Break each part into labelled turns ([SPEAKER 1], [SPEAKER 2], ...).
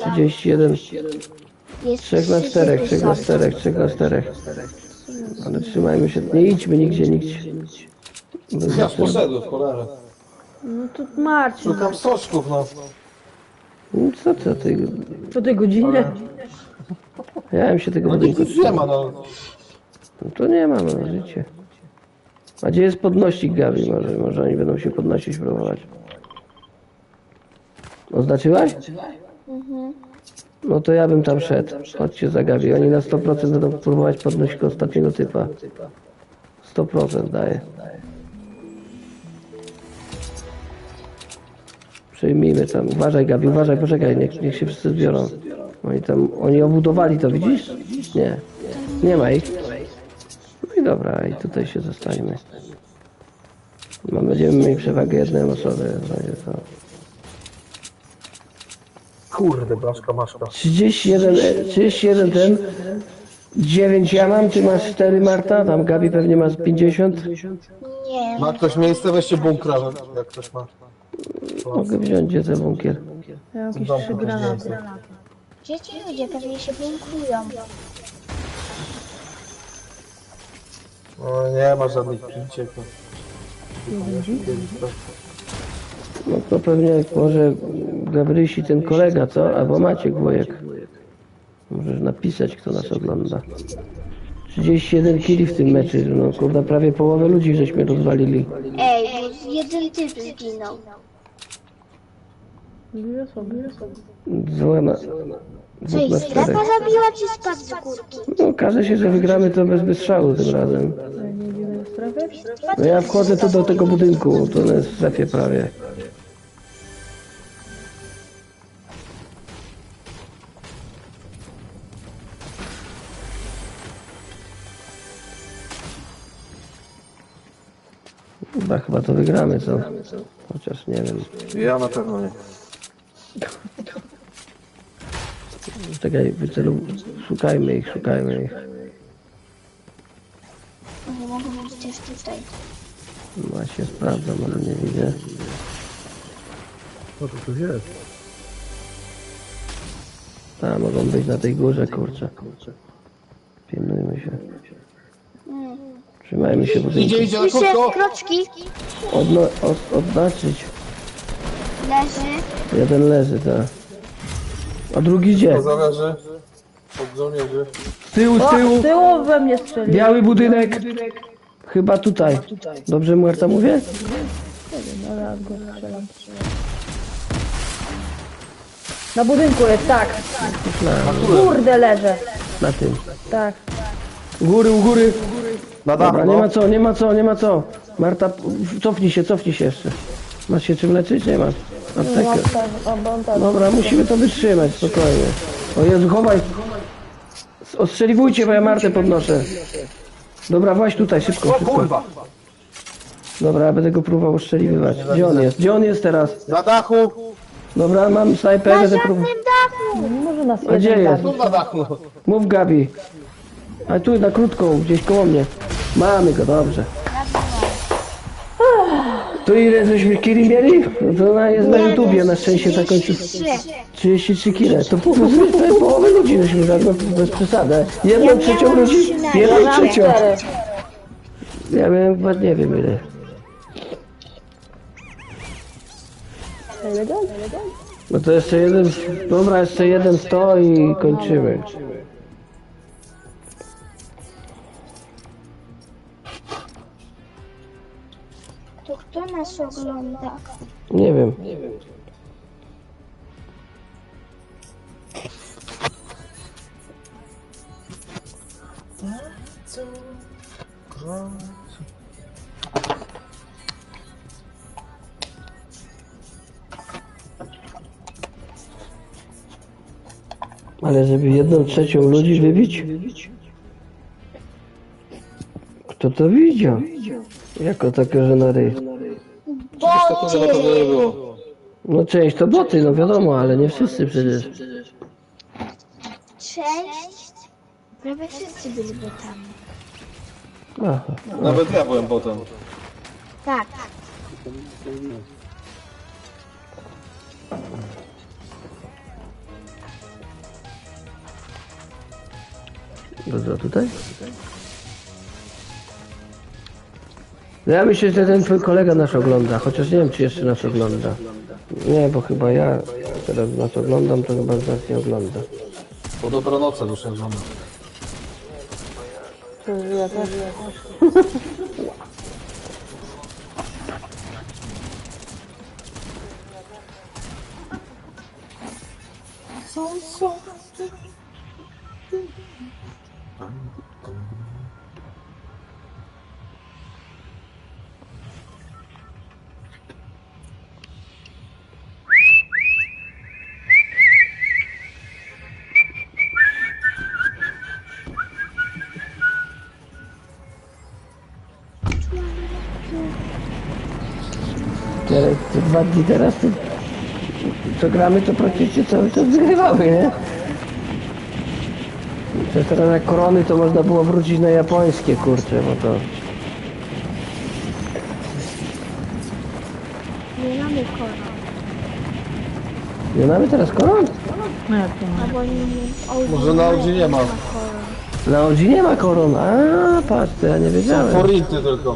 [SPEAKER 1] 31.
[SPEAKER 2] Jest
[SPEAKER 1] 3 na 4, 3 na 4, 3 na 4. Ale trzymajmy się, nie idźmy nigdzie.
[SPEAKER 3] Ja poszedłem w cholerę.
[SPEAKER 4] No to Marcin.
[SPEAKER 3] Szukam soczków, no.
[SPEAKER 1] No co ty?
[SPEAKER 4] Po tej godzinie?
[SPEAKER 1] Ja bym się tego
[SPEAKER 3] No
[SPEAKER 1] budynku
[SPEAKER 3] nic nie ma, no.
[SPEAKER 1] No to nie ma, no życie. A gdzie jest podnośnik Gabi? Może oni będą się podnosić, próbować. Oznaczyłaś? No to ja bym tam szedł. Chodźcie za Gabi. Oni na 100% będą próbować podnosić ostatniego typa. 100% daje. Przyjmijmy tam. Uważaj Gabi, uważaj, poczekaj, niech się wszyscy zbiorą. Oni obudowali to, widzisz? Nie. Nie ma ich. No i dobra, i tutaj się zostańmy. Będziemy mieli przewagę jednej osoby. Będzie to.
[SPEAKER 3] Kurde, blaszka, maszka.
[SPEAKER 1] 31 ten. 9 ja mam, ty masz 4 Marta, tam Gabi pewnie ma z 50.
[SPEAKER 2] Nie.
[SPEAKER 3] Ma ktoś miejsce? Weźcie bunkra, jak ktoś ma.
[SPEAKER 1] Mogę wziąć gdzie ten bunkier.
[SPEAKER 4] Ja mam jakieś
[SPEAKER 3] Domku
[SPEAKER 4] 3
[SPEAKER 3] gdzieś
[SPEAKER 4] granaty.
[SPEAKER 3] miejsce.
[SPEAKER 2] Gdzie ci ludzie pewnie się bunkrują?
[SPEAKER 3] No, nie ma żadnych piciek. No.
[SPEAKER 1] No to pewnie może Gabrysi ten kolega, co? Albo Maciek Wojek. Możesz napisać, kto nas ogląda. 31 kili w tym meczu, no kurde, prawie połowę ludzi żeśmy rozwalili.
[SPEAKER 2] Ej, bo jeden typ zginął.
[SPEAKER 4] Dwie osoby.
[SPEAKER 1] Złama.
[SPEAKER 2] Co ich strefa zabiła, czy spadł z górki?
[SPEAKER 1] No każe się, że wygramy to bez strzału tym razem.
[SPEAKER 4] Nie idziemy do strefy?
[SPEAKER 1] No ja wchodzę tu do tego budynku, to jest w strefie prawie. Chyba to wygramy, co? Chociaż nie wiem.
[SPEAKER 3] Ja na pewno nie.
[SPEAKER 1] Czekaj, szukajmy ich.
[SPEAKER 2] Nie mogą być też tutaj.
[SPEAKER 1] Właśnie sprawdzam, ale nie widzę.
[SPEAKER 3] Co to tu jest?
[SPEAKER 1] Tam mogą być na tej górze, kurczę. Pilnujmy się. Trzymajmy się budynku.
[SPEAKER 3] Idzie na
[SPEAKER 2] Słyszę
[SPEAKER 3] krótko.
[SPEAKER 2] kroczki.
[SPEAKER 1] Odznaczyć.
[SPEAKER 2] Leży.
[SPEAKER 1] Jeden leży, tak. A drugi gdzie?
[SPEAKER 3] To zależy od żołnierzy.
[SPEAKER 1] Z tyłu.
[SPEAKER 4] Z tyłu we mnie strzeli.
[SPEAKER 1] Biały budynek. Chyba tutaj. Dobrze Marta mówię?
[SPEAKER 4] Dobra, go strzelam. Na budynku jest, tak. Kurde, leżę.
[SPEAKER 1] Na tym.
[SPEAKER 4] Tak.
[SPEAKER 1] U góry.
[SPEAKER 3] Na dachu,
[SPEAKER 1] Dobra,
[SPEAKER 3] no.
[SPEAKER 1] nie ma co. Marta, cofnij się jeszcze. Masz się czym leczyć? Nie masz. Aptekę. Dobra, musimy to wytrzymać, spokojnie. O Jezu, chowaj. Ostrzeliwujcie, bo ja Martę podnoszę. Dobra, właśnie tutaj, szybko.
[SPEAKER 3] Kurwa!
[SPEAKER 1] Dobra, ja będę go próbował ostrzeliwywać. Gdzie on jest teraz?
[SPEAKER 3] Na dachu!
[SPEAKER 1] Dobra, mam snajper,
[SPEAKER 2] Na
[SPEAKER 1] będę
[SPEAKER 2] żadnym
[SPEAKER 1] próbował.
[SPEAKER 2] dachu.
[SPEAKER 4] Może nas
[SPEAKER 1] A gdzie
[SPEAKER 4] jeden
[SPEAKER 1] jest?
[SPEAKER 4] zabić.
[SPEAKER 3] Na dachu!
[SPEAKER 1] Mów Gabi. A tu na krótką, gdzieś koło mnie. Mamy go, dobrze. To ile żeśmy kili mieli? No to ona jest na YouTubie, na szczęście zakończył 33 kile. To połowę ludzi żeśmy zagrali, bez przesady. Jedną trzecią ludzi, jedną trzecią. Ja miałem chyba nie wiem ile. No to jeszcze jeden, dobra, jeszcze jeden 100 i kończymy.
[SPEAKER 2] To kto nas ogląda?
[SPEAKER 1] Nie wiem. Ale żeby 1/3 ludzi wybić? Kto to widział? Jako takie, że na ryj.
[SPEAKER 3] Takiego na pewno nie było.
[SPEAKER 1] No część to boty, no wiadomo, ale nie wszyscy przecież.
[SPEAKER 2] Cześć. Prawie wszyscy byli botami.
[SPEAKER 1] Aha.
[SPEAKER 3] Nawet ja byłem potem.
[SPEAKER 2] Tak.
[SPEAKER 1] Dobra, tutaj? No ja myślę, że ten twój kolega nas ogląda, chociaż nie wiem, czy jeszcze nas ogląda. Nie, bo chyba ja teraz nas oglądam, to chyba nas nie ogląda.
[SPEAKER 3] Po dobranocy muszę żonę.
[SPEAKER 4] Ja też.
[SPEAKER 1] Teraz, te 2 dni teraz, to, co gramy, to praktycznie cały czas wygrywamy, nie? Przecież teraz na korony to można było wrócić na japońskie, kurczę, bo to...
[SPEAKER 2] Nie mamy koron.
[SPEAKER 1] Nie mamy teraz koron?
[SPEAKER 4] No jak to ma?
[SPEAKER 2] Albo nie.
[SPEAKER 3] Może na Audi nie ma.
[SPEAKER 1] Na Odzi nie ma koron, a patrz, to ja nie wiedziałem.
[SPEAKER 3] Forinty tylko.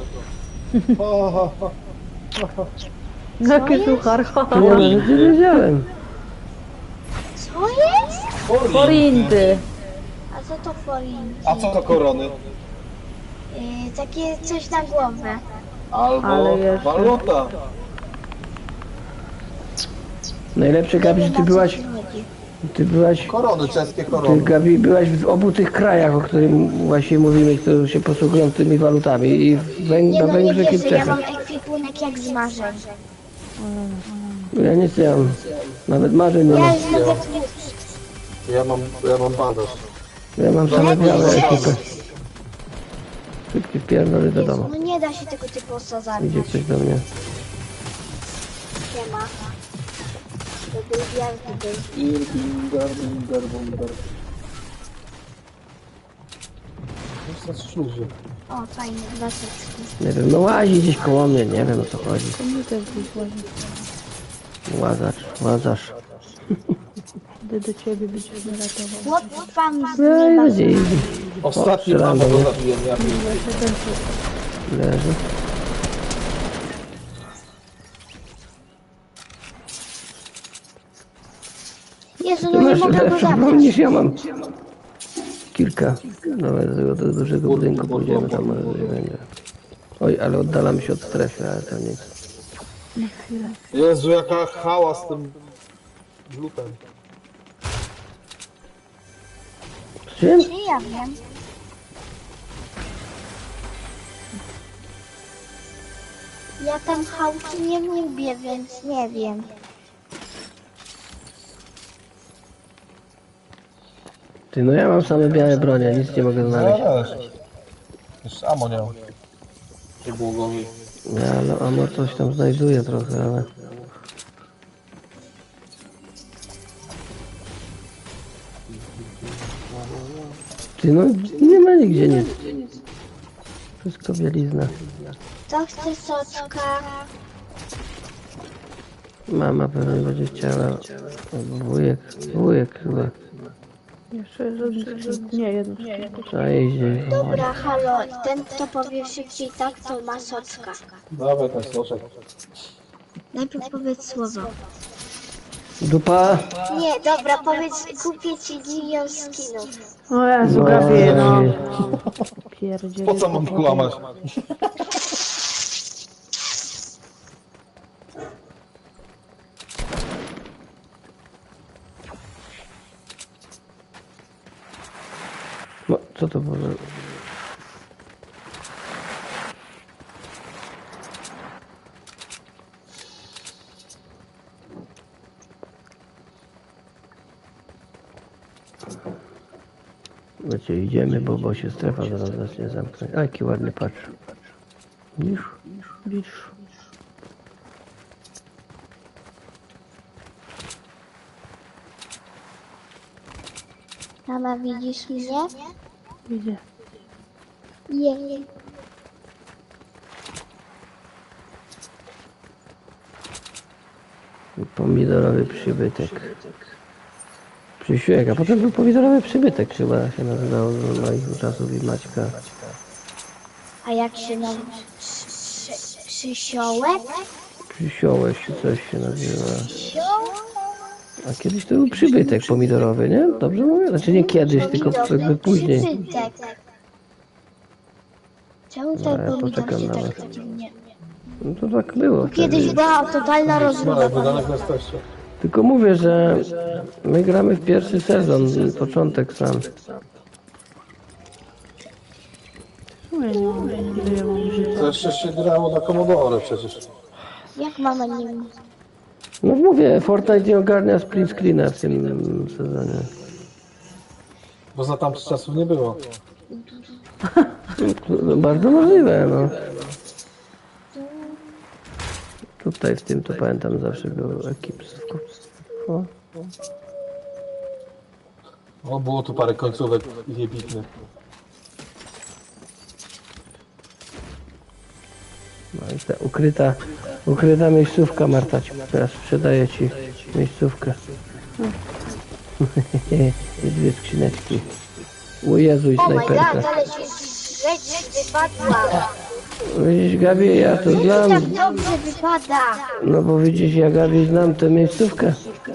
[SPEAKER 4] Jakie suchar,
[SPEAKER 1] To ja nawet nie wiedziałem.
[SPEAKER 2] Co jest?
[SPEAKER 4] Forinty.
[SPEAKER 2] A co to forinki?
[SPEAKER 3] A co to korony?
[SPEAKER 2] Takie coś na głowę.
[SPEAKER 3] Albo
[SPEAKER 4] Ale jeszcze.
[SPEAKER 3] waluta.
[SPEAKER 1] Najlepsze, Gabi, że ty byłaś,
[SPEAKER 3] Korony, czeskie
[SPEAKER 1] ty,
[SPEAKER 3] korony.
[SPEAKER 1] Gabi, byłaś w obu tych krajach, o którym właśnie mówimy, które się posługują tymi walutami, i
[SPEAKER 2] Nie
[SPEAKER 1] na
[SPEAKER 2] no, nie
[SPEAKER 1] Węgrzech i w
[SPEAKER 2] wierzę, ja
[SPEAKER 1] Czechach.
[SPEAKER 2] mam ekwipunek jak z marzeń.
[SPEAKER 1] Ja nic nie mam, nawet marzeń nie mam.
[SPEAKER 2] Ja już mogę tłuc.
[SPEAKER 3] Ja mam bandaż.
[SPEAKER 1] Ja mam same białe ekipy. Szybki pierdolę do domu.
[SPEAKER 2] No nie da się tego typu osadzać.
[SPEAKER 1] Idzie ktoś do mnie.
[SPEAKER 2] Siema. To był wielki był.
[SPEAKER 3] Irbinger. To jest śluzy.
[SPEAKER 2] O, fajnie, 2 setki.
[SPEAKER 1] Nie wiem, no łazi gdzieś koło mnie, nie wiem o co chodzi.
[SPEAKER 4] Mi też gdzieś ładnie.
[SPEAKER 1] Łazarz.
[SPEAKER 4] Gdy do ciebie być nie ratował.
[SPEAKER 2] Chłop wam z
[SPEAKER 1] No i
[SPEAKER 2] nieba.
[SPEAKER 1] będzie idzie.
[SPEAKER 3] Ostatni
[SPEAKER 1] strzelam
[SPEAKER 3] mamo
[SPEAKER 1] do mnie.
[SPEAKER 3] go zabiję, ja
[SPEAKER 1] Leży.
[SPEAKER 2] Jezu,
[SPEAKER 1] Ty
[SPEAKER 2] no nie
[SPEAKER 1] masz
[SPEAKER 2] mogę go
[SPEAKER 1] lepszą broń
[SPEAKER 2] zabrać.
[SPEAKER 1] niż ja mam. Kilka. Nawet do tego dużego budynku pójdziemy, tam może nie będzie. Oj, ale oddalamy się od strefy, ale to nic.
[SPEAKER 3] Jezu, jaka hała z tym glutem.
[SPEAKER 1] Z czym?
[SPEAKER 2] Nie, ja wiem. Ja tam chałki nie lubię, więc nie wiem.
[SPEAKER 1] Ty, no ja mam same białe bronie, nic nie mogę znaleźć.
[SPEAKER 3] Ja też. Jeszcze amo nie mam. Przybłogowi.
[SPEAKER 1] Ja, no, ano coś tam znajduję trochę, ale... Ty, no nie ma nigdzie nic. Wszystko bielizna.
[SPEAKER 2] To chce soczka.
[SPEAKER 1] Mama pewnie będzie chciała. Albo wujek chyba.
[SPEAKER 4] Jeszcze nie, jedno.
[SPEAKER 1] Trzeba jeździć.
[SPEAKER 2] Dobra, halo, ten kto powie szybciej tak, to ma soczka.
[SPEAKER 3] Dawaj ten soczek.
[SPEAKER 2] Najpierw powiedz słowo.
[SPEAKER 1] Dupa!
[SPEAKER 2] Nie, dobra, powiedz, kupię ci milion skinów.
[SPEAKER 4] O Jezu,
[SPEAKER 1] No,
[SPEAKER 4] Gabi, no.
[SPEAKER 1] Jezu.
[SPEAKER 4] Pierdziele.
[SPEAKER 3] Po co mam kłamać?
[SPEAKER 1] No, co to było? Wiecie, idziemy, bo się strefa zaraz zacznie zamknąć. A jaki ładny, patrz. Widzisz?
[SPEAKER 4] Bisz.
[SPEAKER 2] Mama, widzisz mnie?
[SPEAKER 4] Widzę.
[SPEAKER 2] Jej.
[SPEAKER 1] Pomidorowy przybytek. Przysiłek, a potem był pomidorowy przybytek chyba się nazywał z moich czasów i Maćka.
[SPEAKER 2] A jak się nazywa? Przysiołek?
[SPEAKER 1] Przysiołek czy coś się nazywa. A kiedyś to był przybytek pomidorowy, nie? Dobrze mówię? Znaczy nie kiedyś, tylko jakby później.
[SPEAKER 2] Przybytek. Czemu
[SPEAKER 1] Dobra,
[SPEAKER 2] ten
[SPEAKER 1] ja
[SPEAKER 2] pomidor
[SPEAKER 1] poczekam
[SPEAKER 2] się
[SPEAKER 1] na
[SPEAKER 2] tak
[SPEAKER 1] was.
[SPEAKER 2] nie...
[SPEAKER 1] No to tak było
[SPEAKER 2] Kiedyś
[SPEAKER 1] wtedy.
[SPEAKER 2] była totalna rozmowa.
[SPEAKER 3] No, wydanek na starsze.
[SPEAKER 1] Tylko mówię, że my gramy w pierwszy sezon, początek sam.
[SPEAKER 4] No ja nie mam, ile ja mam życia.
[SPEAKER 3] To jeszcze się grało na Commodore przecież.
[SPEAKER 2] Jak mama nim...
[SPEAKER 1] No mówię, Fortnite nie ogarnia split screena w tym sezonie.
[SPEAKER 3] Bo za tamtych czasów nie było.
[SPEAKER 1] No, bardzo możliwe, no. Tutaj w tym to pamiętam zawsze był ekipstwo. O.
[SPEAKER 3] O, było tu parę końcówek jebitnych.
[SPEAKER 1] No i ta ukryta miejscówka, Marta, teraz sprzedaję ci miejscówkę. I dwie skrzyneczki. O Jezu, i
[SPEAKER 2] Oh my
[SPEAKER 1] snajperka.
[SPEAKER 2] god, ale się rzecz wypadła.
[SPEAKER 1] Widzisz, Gabi, ja to
[SPEAKER 2] Tak
[SPEAKER 1] znam.
[SPEAKER 2] dobrze wypada.
[SPEAKER 1] No bo widzisz, ja Gabi znam tę miejscówkę.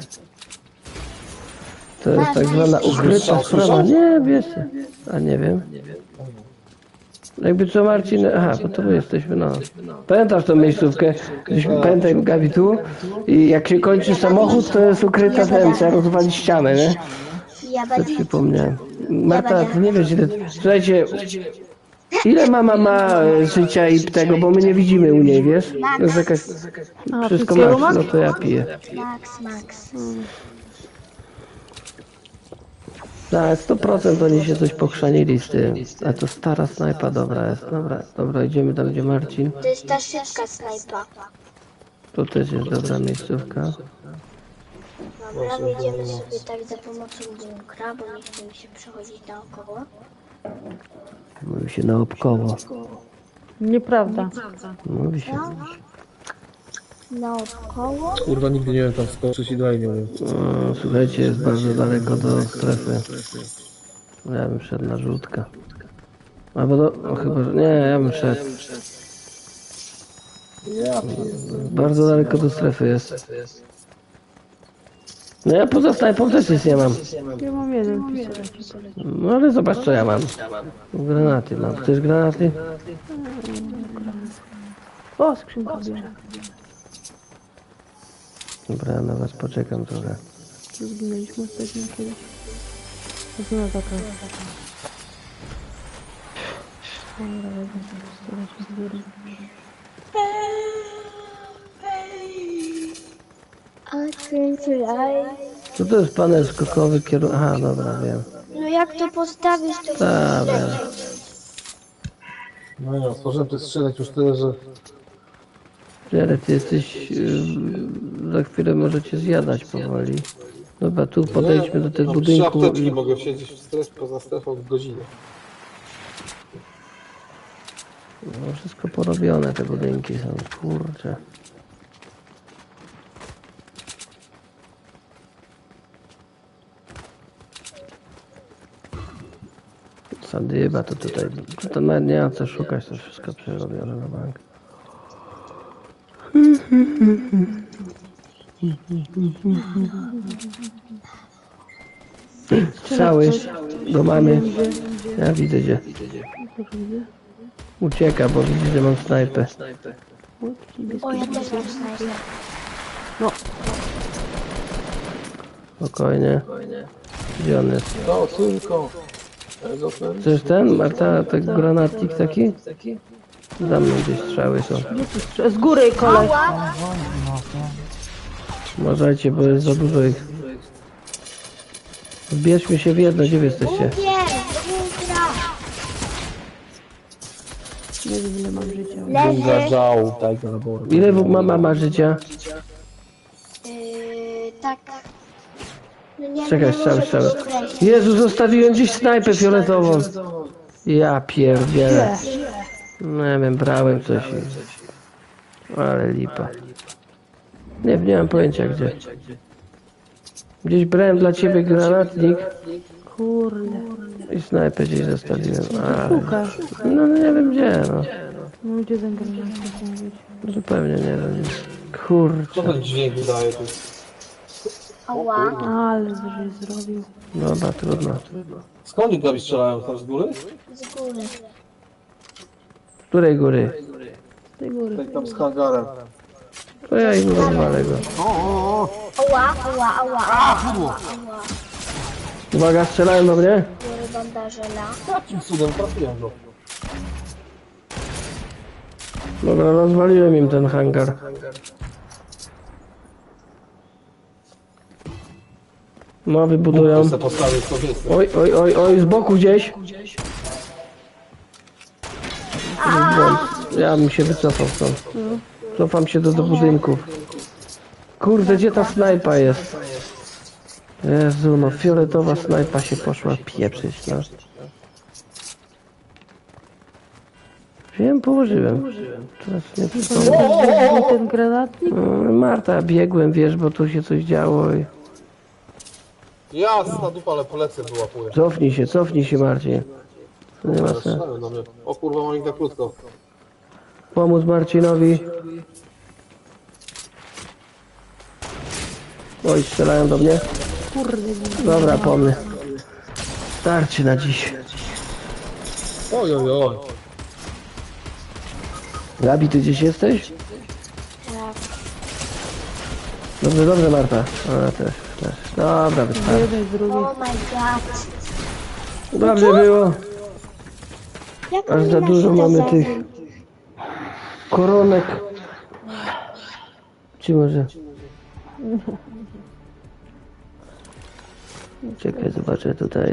[SPEAKER 1] To jest tak zwana ukryta sprawa. Nie, wiesz. A nie wiem. Jakby co Marcin... Aha, bo to my jesteśmy, no. Pamiętasz tą miejscówkę? Pamiętaj Gabi tu. I jak się kończy samochód, to jest ukryta ten, trzeba rozwalić ścianę, nie?
[SPEAKER 2] Ja
[SPEAKER 1] To
[SPEAKER 2] będę...
[SPEAKER 1] przypomniałem. Marta, ty nie wiesz ile... Słuchajcie, ile mama ma życia i tego, bo my nie widzimy u niej, wiesz? To jest jakaś...
[SPEAKER 4] A,
[SPEAKER 1] Wszystko
[SPEAKER 4] wszystkiego
[SPEAKER 1] masz,
[SPEAKER 4] masz?
[SPEAKER 1] no to ja piję.
[SPEAKER 2] Max.
[SPEAKER 1] Tak, 100% oni się coś pochrzanili z tym. A to stara snajpa dobra jest. Dobra, idziemy tam gdzie Marcin.
[SPEAKER 2] To jest ta szybka snajpa.
[SPEAKER 1] To też jest dobra miejscówka.
[SPEAKER 2] Dobra, wyjdziemy sobie tak za pomocą bunkra, bo nie chcemy się przechodzić naokoło.
[SPEAKER 1] Mówi się naokoło.
[SPEAKER 4] Nieprawda.
[SPEAKER 1] Mówi się.
[SPEAKER 2] Naokoło?
[SPEAKER 3] Kurwa, nigdy nie wiem tam skoczyć i dalej nie wiem.
[SPEAKER 1] O, słuchajcie, jest bardzo daleko do strefy. Ja bym szedł na żółtka. Albo do... O, chyba, że... Nie, ja bym szedł. Bardzo daleko do strefy jest. No ja poza snajpą też nic nie mam.
[SPEAKER 4] Ja mam jeden pistolet.
[SPEAKER 1] No ale zobacz co ja mam. Granaty mam. Chcesz granaty?
[SPEAKER 4] O, skrzynka bierze.
[SPEAKER 1] Dobra, ja na was poczekam trochę.
[SPEAKER 4] Zginęliśmy ostatnio kiedyś. To znowu taka. Dobra, wezmę sobie pistolet i zbiorę.
[SPEAKER 1] Co to jest panel skokowy kierunek? Aha, dobra, wiem.
[SPEAKER 2] No jak to postawisz, to
[SPEAKER 1] Tak, wiem.
[SPEAKER 3] No nie, otworzyłem tych skrzynek już tyle, że...
[SPEAKER 1] Ale ty jesteś... za chwilę możecie zjadać powoli. Dobra, tu podejdźmy do tego
[SPEAKER 3] Mam trzy
[SPEAKER 1] budynku
[SPEAKER 3] apteczki,
[SPEAKER 1] i...
[SPEAKER 3] mogę siedzieć w strefie, poza strefą w godzinę.
[SPEAKER 1] No, wszystko porobione, te budynki są, kurczę. Sadyba to tutaj... To nawet nie ma co szukać, to wszystko przerobione na bank. Strzały do mamy. Ja widzę gdzie. Ucieka, bo widzi, że mam snajpę.
[SPEAKER 2] O, ja też mam snajper.
[SPEAKER 1] Spokojnie. Gdzie on jest?
[SPEAKER 3] To tylko...
[SPEAKER 1] Chcesz ten? Marta, ten granatnik taki? Za mną gdzieś strzały są.
[SPEAKER 4] Z góry koleś.
[SPEAKER 1] Uważajcie, bo jest za dużo ich. Zbierzmy się w jedno, gdzie wy jesteście?
[SPEAKER 2] Bunkier! Bunkra!
[SPEAKER 4] Nie wiem ile mam życia.
[SPEAKER 2] Leży.
[SPEAKER 3] Żał, tak, na laboru.
[SPEAKER 1] Ile mama ma życia?
[SPEAKER 2] Tak. No nie,
[SPEAKER 1] Czekaj,
[SPEAKER 2] nie
[SPEAKER 1] strzały,
[SPEAKER 2] muszę
[SPEAKER 1] strzały.
[SPEAKER 2] tego określić.
[SPEAKER 1] Jezu, zostawiłem gdzieś snajpę fioletową. Ja pierdzielę. No nie wiem, brałem coś i... Ale lipa. Nie mam pojęcia gdzie. Gdzieś brałem dla ciebie granatnik
[SPEAKER 4] Kurde.
[SPEAKER 1] i snajpę gdzieś zostawiłem. A,
[SPEAKER 4] Szuka.
[SPEAKER 1] no nie wiem gdzie, no.
[SPEAKER 4] No gdzie ten granat mówić?
[SPEAKER 1] Zupełnie nie wiem.
[SPEAKER 3] Co
[SPEAKER 1] Kurczę.
[SPEAKER 3] ten dźwięk wydaje tu?
[SPEAKER 2] Ała.
[SPEAKER 4] Ale żeś zrobił.
[SPEAKER 1] Dobra, trudno.
[SPEAKER 3] Skąd oni Gabi strzelają? Tam z góry?
[SPEAKER 2] Z góry.
[SPEAKER 1] Z której góry?
[SPEAKER 4] Z tej góry.
[SPEAKER 3] Tak tam z hangarem.
[SPEAKER 1] To ja im rozwalę go.
[SPEAKER 2] Ała, ała, ała, ała.
[SPEAKER 1] Uwaga, strzelają do mnie.
[SPEAKER 2] Biorę bandażela.
[SPEAKER 3] Jakim cudem trafiłem go?
[SPEAKER 1] Dobra, rozwaliłem im ten hangar. No, wybudują.
[SPEAKER 3] Muszę postawić kobietę.
[SPEAKER 1] Oj, oj, oj, oj, z boku gdzieś. Ja bym się wycofał stąd. Cofam się do budynków. Kurde, gdzie ta snajpa jest? Jezu, no fioletowa snajpa się poszła pieprzyć, no. Wiem, położyłem. Teraz nie przypomnę.
[SPEAKER 4] Gdzie ten granatnik?
[SPEAKER 1] Marta, biegłem, wiesz, bo tu się coś działo i...
[SPEAKER 3] Jasna dupa, ale polecę wyłapuję.
[SPEAKER 1] Cofnij się, Marcin. To nie ma sensu.
[SPEAKER 3] Strzelają na mnie. O kurwa, mam ich na krótko.
[SPEAKER 1] Pomóc Marcinowi. Oj, strzelają do mnie.
[SPEAKER 4] Kurde. Nie.
[SPEAKER 1] Dobra, po mnie. Starczy na dziś.
[SPEAKER 3] Oj, oj, oj.
[SPEAKER 1] Gabi, ty gdzieś jesteś?
[SPEAKER 2] Tak.
[SPEAKER 1] Dobrze, dobrze, Marta. A, też. Dobra, wystarczy.
[SPEAKER 4] Jeden, drugi.
[SPEAKER 2] Oh my god.
[SPEAKER 1] Dobrze było.
[SPEAKER 2] Jak
[SPEAKER 1] Aż
[SPEAKER 2] oni
[SPEAKER 1] za
[SPEAKER 2] nas
[SPEAKER 1] dużo
[SPEAKER 2] to
[SPEAKER 1] mamy
[SPEAKER 2] zabił?
[SPEAKER 1] tych koronek. Czy może? Czekaj, zobaczę tutaj.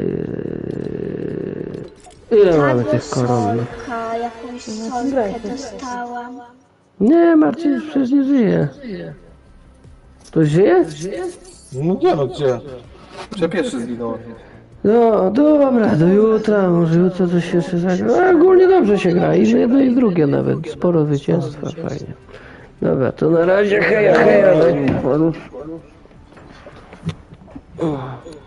[SPEAKER 1] Ile mamy tych koron?
[SPEAKER 2] Solka, jakąś solkę dostałam.
[SPEAKER 1] Nie, Marcin przecież nie żyje. Ktoś żyje?
[SPEAKER 3] No gdzie, no gdzie? Czy pierwszy zginąłem?
[SPEAKER 1] No, dobra, do jutra, może jutro coś jeszcze zagra. A, ogólnie dobrze się gra, i jedno i drugie nawet, sporo zwycięstwa, fajnie. Dobra, to na razie, heja, heja.